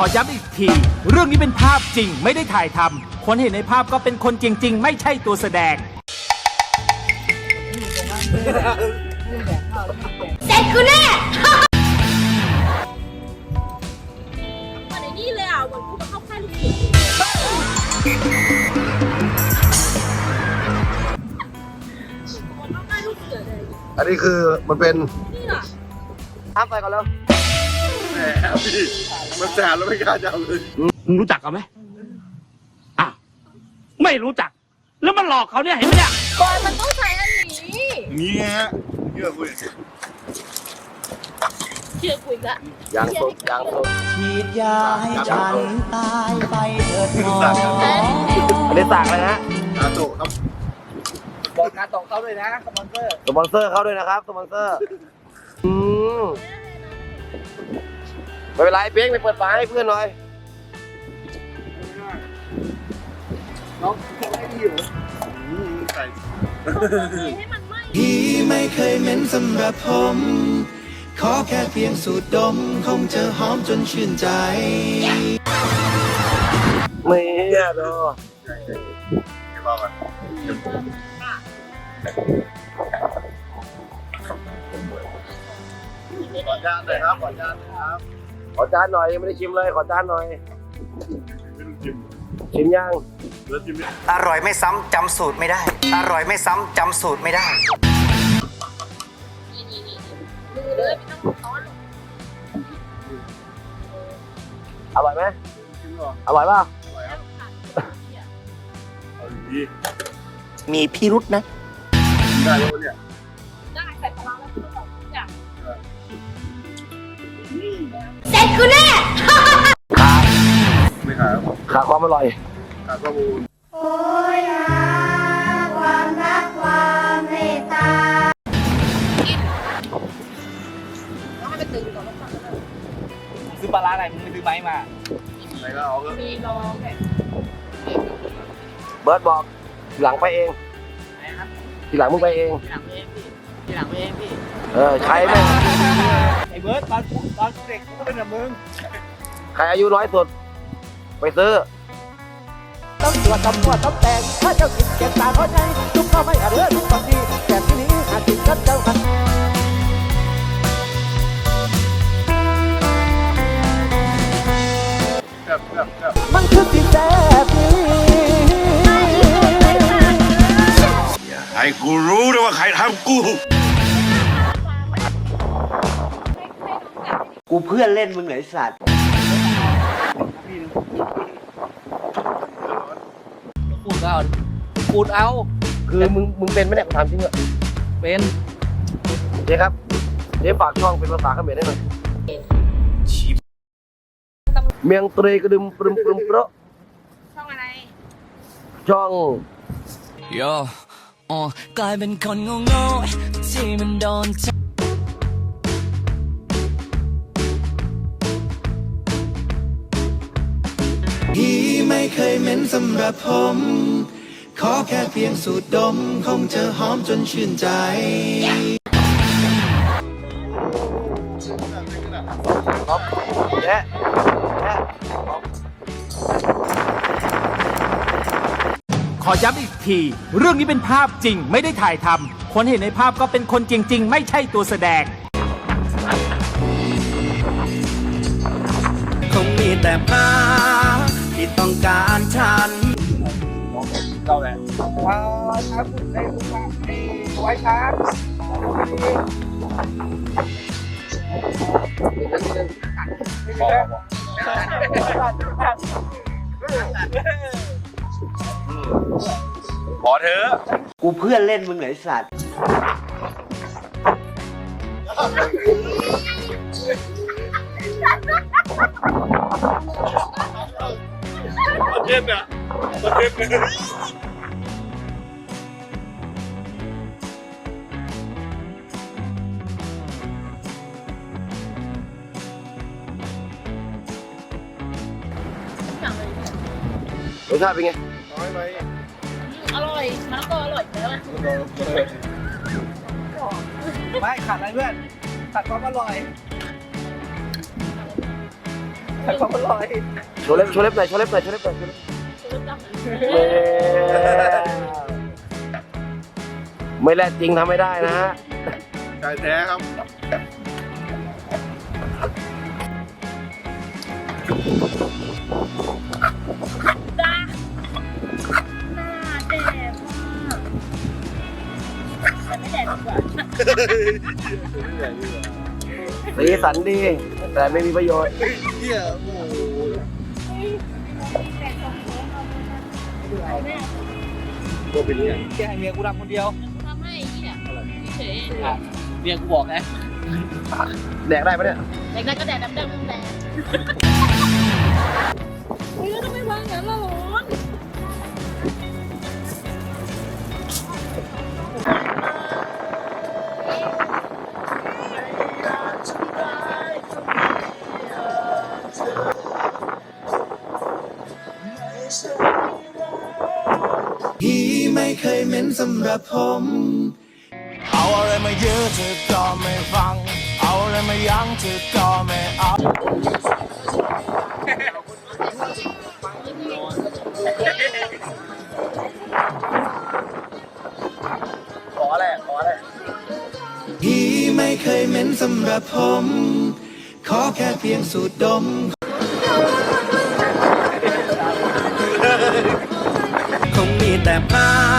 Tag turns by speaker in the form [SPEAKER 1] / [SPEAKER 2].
[SPEAKER 1] อย้ำอีกทีเรื่องนี้เป็นภาพจริงไม่ได้ถ่ายทำคนเห็นในภาพก็เป็นคนจริงๆไม่ใช่ตัวแสดง
[SPEAKER 2] เสร็จกูแน่
[SPEAKER 3] เหมือนไอ้นี่เลยอ่ะเหมือนกูมาเข้าค่ายลูกเสือเข้าค่ายลูกเสือเลย
[SPEAKER 4] อันนี้คือมันเป็น
[SPEAKER 3] นี่เหรอ
[SPEAKER 4] ทำไปก่อนแล้วแหมพี่มันแสบแล้วไม่กล้าจับเลย
[SPEAKER 5] มึงรู้จักกันไหมอ้าวไม่รู้จัก แล้วมันหลอกเขาเนี่ยเห็นไหมเนี่ย
[SPEAKER 3] บอยมันต้องใช้อันนี้
[SPEAKER 4] นี่ฮะเชื่อคุย
[SPEAKER 3] เชื่อคุยละ
[SPEAKER 4] ยางสดยางสด
[SPEAKER 6] ฉีดยาให้ฉันตายไปเถิดหมอ
[SPEAKER 4] อันนี้สั่งเลยนะกาโตะครับ
[SPEAKER 6] บอกการตกเขาด้วยนะสปอนเซอร์
[SPEAKER 4] สปอนเซอร์เข้าด้วยนะครับสปอนเซอร์ไม่เป็นไรเป้งไปเปิดฝาให้เพื่อนหน่อยน้องให้ดีอยู่ใส่
[SPEAKER 3] ให้มันไหม้
[SPEAKER 6] พี่ไม่เคยเหม็นสำหรับผม ขอแค่เพียงสูดดม คงจะหอมจนชื่นใจ
[SPEAKER 4] ไม่เนี่ยดูขอจานหน่อยครับขอจานหน่อยครับขอจานหน่อยยังไม่ได้ชิมเลยขอจานหน่อยชิมยัง
[SPEAKER 7] อร่อยไม่ซ้ำจำสูตรไม่ได้ อร่อยไม่ซ้ำจำสูตรไม่ได้
[SPEAKER 3] นี่มือเลยไม่ต้องซ้อนหรอก
[SPEAKER 4] อร่อยไหมอร่อยป่ะ
[SPEAKER 7] มีพิรุษนะ
[SPEAKER 4] ได้แล้วเนี่ย
[SPEAKER 3] ได้ใส่ปลาร้าแล้วทุกอย่าง
[SPEAKER 2] เสร็จกูแน่
[SPEAKER 4] ไม่ขายขาดความอร่อยขาดข้อมูล
[SPEAKER 2] โอ้ยหาความรักความเมตตา
[SPEAKER 6] ซื้อปลาร้าอะไรมึงไม่ซื้อไม้มา
[SPEAKER 4] ไหนก็เอาเถอะ
[SPEAKER 3] มีลองแบบ
[SPEAKER 4] เบิร์ดบอกทีหลังไปเองทีหลังมึงไปเอง
[SPEAKER 6] ทีหลังเองพี่ทีหลังเองพี่
[SPEAKER 4] ใครไม่
[SPEAKER 6] ไอ้เบิร์ดตอนเด็กกูก็เป็นแบบมึง
[SPEAKER 4] ใครอายุน้อยสุดไปซื้อ
[SPEAKER 6] ต้องตรวจต้องแต่งถ้าเจ้ากินเก็บตาเขาใจทุกข้าไม่อาเรื่องทุกความดีแต่ที่นี้อาจติดกับเจ้าหันมันคือสิ่งแสบนี้
[SPEAKER 4] ให้กูรู้นะว่าใครทำกู
[SPEAKER 7] กูเพื่อนเล่นมึงเหรอไอ้สัตว์
[SPEAKER 6] ปูดเอา
[SPEAKER 4] คือมึงเป็นไหมเนี่ยกูถามจริงเหรอ
[SPEAKER 6] เป็น
[SPEAKER 4] เจ๊ครับเจ๊ฝากช่องเป็นภาษาเขมรได้หน่อยเมียงตรีกระดึมปรึมเปราะ
[SPEAKER 3] ช่องอะไร
[SPEAKER 4] ช่อง
[SPEAKER 8] โย่กลายเป็นคนโง่ๆที่มันโดนใจ
[SPEAKER 6] พี่ไม่เคยเหม็นสำหรับผม ขอแค่เพียงสูดดม คงจะหอมจนชื่นใจ
[SPEAKER 4] เจ๊เจ๊
[SPEAKER 1] ขอย้ำอีกทีเรื่องนี้เป็นภาพจริงไม่ได้ถ่ายทำคนเห็นในภาพก็เป็นคนจริงๆไม่ใช่ตัวแสดง
[SPEAKER 6] คงมีแต่พาที่ต้องการฉัน
[SPEAKER 4] เข้าแหละ
[SPEAKER 6] ครับในลูกค้าในไว้ครับ
[SPEAKER 4] ขอเถอะ
[SPEAKER 7] กูเพื่อนเล่นมึงเหรอไอ้สัตว์
[SPEAKER 4] เย็นอ่ะเย็นเลย
[SPEAKER 3] อย่างเลย
[SPEAKER 4] รสชาติเป็นไง
[SPEAKER 3] อร่อยมะละกออร่อยแล้ว
[SPEAKER 6] ไม่ขาดอะไรเพื่อนขาดความอร่อย
[SPEAKER 4] โชว์เล็บโชว์เล็บหน่อยโชว์เล็บหน่อยโชว์เล็บหน่อยโชว์เล็บไม่แลจริงทำไม่ได้นะฮะใจแท้ครับ
[SPEAKER 3] จ้าหน้าแดดมากแต่ไม่แดดดีกว่า
[SPEAKER 4] สีสันดี แต่ไม่มีประโยชน์
[SPEAKER 5] แกให้เมียกูทำคนเดียว
[SPEAKER 3] ทำให้ไอ้เหี้ยเฉย
[SPEAKER 5] เมียกูบอกไง
[SPEAKER 4] แดกได้ปะเนี่ย
[SPEAKER 3] แดกได้ก็แดกดำๆแดงเฮ้ยทำไมวางอย่างนั้นล่ะร้อน
[SPEAKER 8] ไม่เคยเหม็นสำหรับผม เอาอะไรมาเยอะเธอก็ไม่ฟัง เอาอะไรมายั้งเธอก็ไม่เอา
[SPEAKER 4] ขออะไรขออะไร
[SPEAKER 8] ที่ไม่เคยเหม็นสำหรับผม ขอแค่เพียงสูดดม คงมีแต่ภา